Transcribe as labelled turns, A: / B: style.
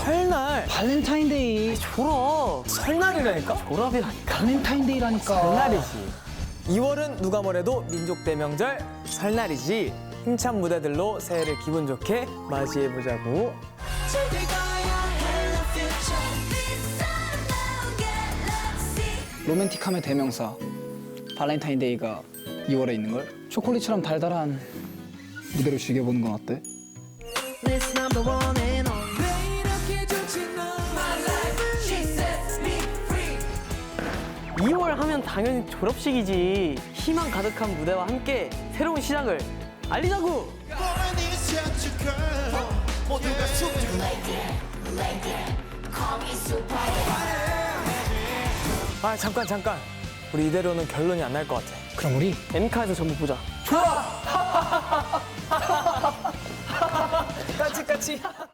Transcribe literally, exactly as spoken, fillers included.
A: 설날.
B: 발렌타인데이.
A: 졸업. 설날이라니까? 졸업이라니까.
B: 발렌타인데이라니까.
A: 설날이지. 이월은 누가 뭐래도 민족 대명절 설날이지. 힘찬 무대들로 새해를 기분 좋게 맞이해보자고.
B: 로맨틱함의 대명사 발렌타인데이가 이월에 있는걸? 초콜릿처럼 달달한 무대로 즐겨보는 건 어때?
A: 이월 하면 당연히 졸업식이지. 희망 가득한 무대와 함께 새로운 시작을 알리자고. 아 잠깐 잠깐. 우리 이대로는 결론이 안 날 것 같아.
B: 그럼 우리
A: 엔카에서 전부 보자. 좋아. 까치 까치.